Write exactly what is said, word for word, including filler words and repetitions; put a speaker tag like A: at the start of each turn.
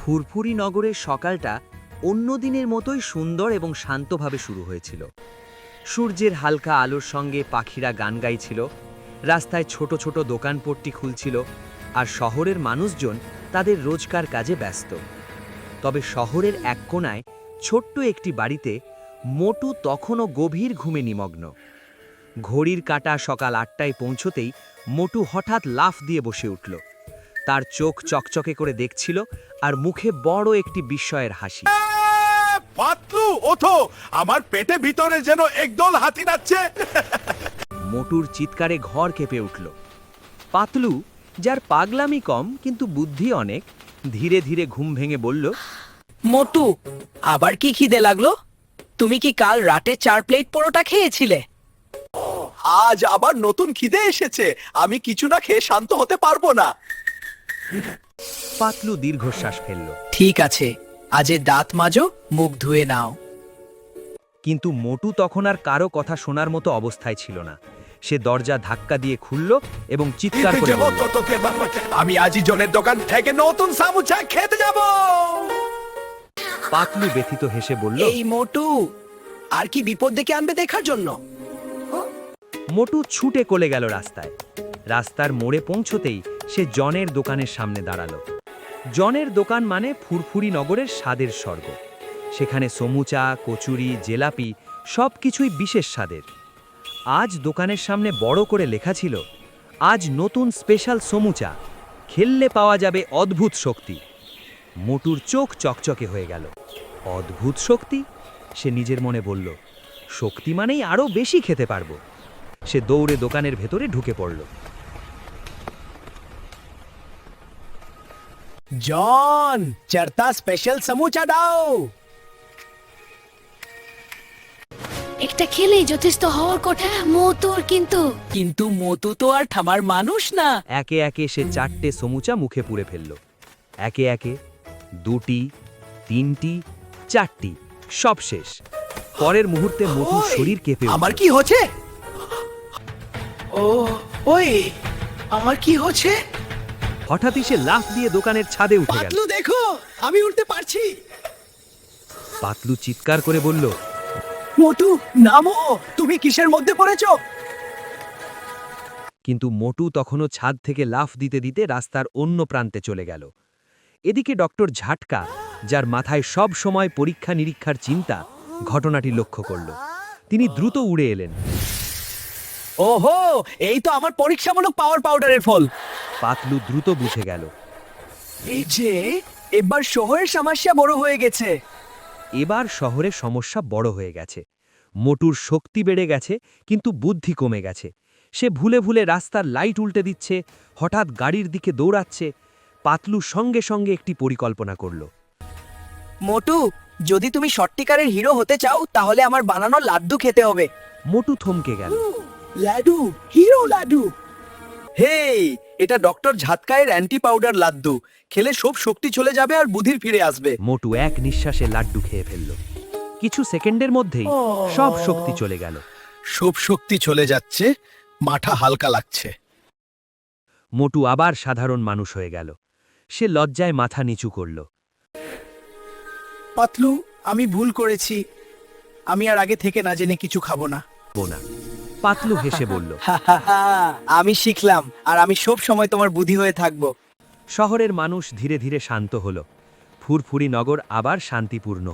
A: ফুরফুরি নগরের সকালটা অন্য দিনের মতোই সুন্দর এবং শান্তভাবে শুরু হয়েছিল। সূর্যের হালকা আলোর সঙ্গে পাখিরা গান গাইছিল, রাস্তায় ছোট ছোট দোকানপট্টি খুলছিল, আর শহরের মানুষজন তাদের রোজকার কাজে ব্যস্ত। তবে শহরের এক কোণায় ছোট্ট একটি বাড়িতে মোটু তখনও গভীর ঘুমে নিমগ্ন। ঘড়ির কাঁটা সকাল আটটায় পৌঁছতেই মোটু হঠাৎ লাফ দিয়ে বসে উঠল। তার চোখ চকচকে করে দেখছিল আর মুখে বড় একটি বিস্ময়ের হাসি।
B: পাতলু, ওঠো, আমার পেটে ভিতরে যেন একদল হাতি নাচছে।
A: মোটুর চিৎকারে ঘর কেঁপে উঠল। পাতলু, যার পাগলামি কম কিন্তু বুদ্ধি অনেক, ধীরে ধীরে ঘুম ভেঙে বলল,
C: মোটু, আবার কি খিদে লাগলো? তুমি কি কাল রাতে চার প্লেট পরোটা খেয়েছিলে?
B: আজ আবার নতুন খিদে এসেছে, আমি কিছু না খেয়ে শান্ত হতে পারবো না।
A: পাতলু দীর্ঘশ্বাস ফেলল।
C: ঠিক আছে, আজে দাঁত মাজো, মুখ ধুয়ে নাও।
A: কিন্তু মোটু তখন আর কারো কথা শোনার মতো অবস্থায় ছিল না। সে দরজা ধাক্কা দিয়ে খুলল এবং চিৎকার করে বলল,
B: আমি আজই জনের দোকান থেকে নতুন সামুচা খেতে যাব।
A: পাতলু ব্যথিত হেসে বলল,
C: এই মোটু, আর কি বিপদ ডেকে আনবে দেখার জন্য?
A: মোটু ছুটে কোলে গেল রাস্তায়। রাস্তার মোড়ে পৌঁছতেই সে জনের দোকানের সামনে দাঁড়ালো। জনের দোকান মানে ফুরফুরি নগরের স্বাদের স্বর্গ। সেখানে সমুচা, কচুরি, জেলাপি সব কিছুই বিশেষ স্বাদের। আজ দোকানের সামনে বড় করে লেখা ছিল, আজ নতুন স্পেশাল সমুচা, খেললে পাওয়া যাবে অদ্ভুত শক্তি। মোটুর চোখ চকচকে হয়ে গেল। অদ্ভুত শক্তি? সে নিজের মনে বলল, শক্তি মানেই আরও বেশি খেতে পারবো। সে দৌড়ে দোকানের ভেতরে ঢুকে পড়ল।
C: জন, চরতা স্পেশাল সমুচা দাও।
D: একটা খেলেই যথেষ্ট হওয়ার কথা মোটর, কিন্তু
C: কিন্তু মোটু তো আর থামার মানুষ না।
A: একে একে সে চারটে সমুচা মুখে পুরে ফেলল। একে একে দুটি, তিনটি, চারটি, সব শেষ। পরের মুহূর্তে মোটুর শরীর কেঁপে উঠল।
C: আমার কি হচ্ছে? ও, ওই, আমার কি হচ্ছে?
A: হঠাৎই সে লাফ দিয়ে দোকানের ছাদে উঠে গেল।
C: পাতলু, দেখো, আমি উঠতে পারছি।
A: পাতলু চিৎকার করে বলল,
C: মোটু, নামো, তুমি কিসের মধ্যে পড়েছো?
A: কিন্তু মোটু তখনও ছাদ থেকে লাফ দিতে দিতে রাস্তার অন্য প্রান্তে চলে গেল। এদিকে ডক্টর ঝাটকা, যার মাথায় সব সময় পরীক্ষা নিরীক্ষার চিন্তা, ঘটনাটি লক্ষ্য করল। তিনি দ্রুত উড়ে এলেন।
C: ওহো, এই তো আমার পরীক্ষামূলক পাওয়ার পাউডারের ফল।
A: পাতলু দ্রুত বুঝে গেল,
C: এই যে, এবার শহরের সমস্যা বড় হয়ে গেছে।
A: এবার শহরে সমস্যা বড় হয়ে গেছে। মোটুর শক্তি বেড়ে গেছে, কিন্তু বুদ্ধি কমে গেছে। সে ভুলে ভুলে রাস্তার লাইট উল্টে দিচ্ছে, হঠাৎ গাড়ির দিকে দৌড়াচ্ছে। পাতলু সঙ্গে সঙ্গে একটি পরিকল্পনা করল।
C: মোটু, যদি তুমি সত্যিকারের হিরো হতে চাও তাহলে আমার বানানো লাড্ডু খেতে হবে।
A: মোটু থমকে গেল।
C: লাড্ডু, হিরো লাড্ডু। হেই, এটা ডক্টর ঝাটকায়ের অ্যান্টি পাউডার লাড্ডু। খেলে সব শক্তি চলে যাবে আর বুদ্ধি ফিরে আসবে।
A: মোটু এক নিঃশ্বাসে লাড্ডু খেয়ে ফেলল। কিছু সেকেন্ডের মধ্যেই সব শক্তি চলে গেল।
B: সব শক্তি চলে যাচ্ছে, মাথা হালকা লাগছে।
A: মোটু আবার সাধারণ মানুষ হয়ে গেল। সে লজ্জায় মাথা নিচু করল।
C: পাতলু, আমি ভুল করেছি। আমি আর আগে থেকে না জেনে কিছু খাবো না।
A: বোনা। পাতলু হেসে বলল,
C: আমি শিখলাম, আর আমি সব সময় তোমার বুদ্ধি হয়ে থাকবো।
A: শহরের মানুষ ধীরে ধীরে শান্ত হল। ফুরফুরি নগর আবার শান্তিপূর্ণ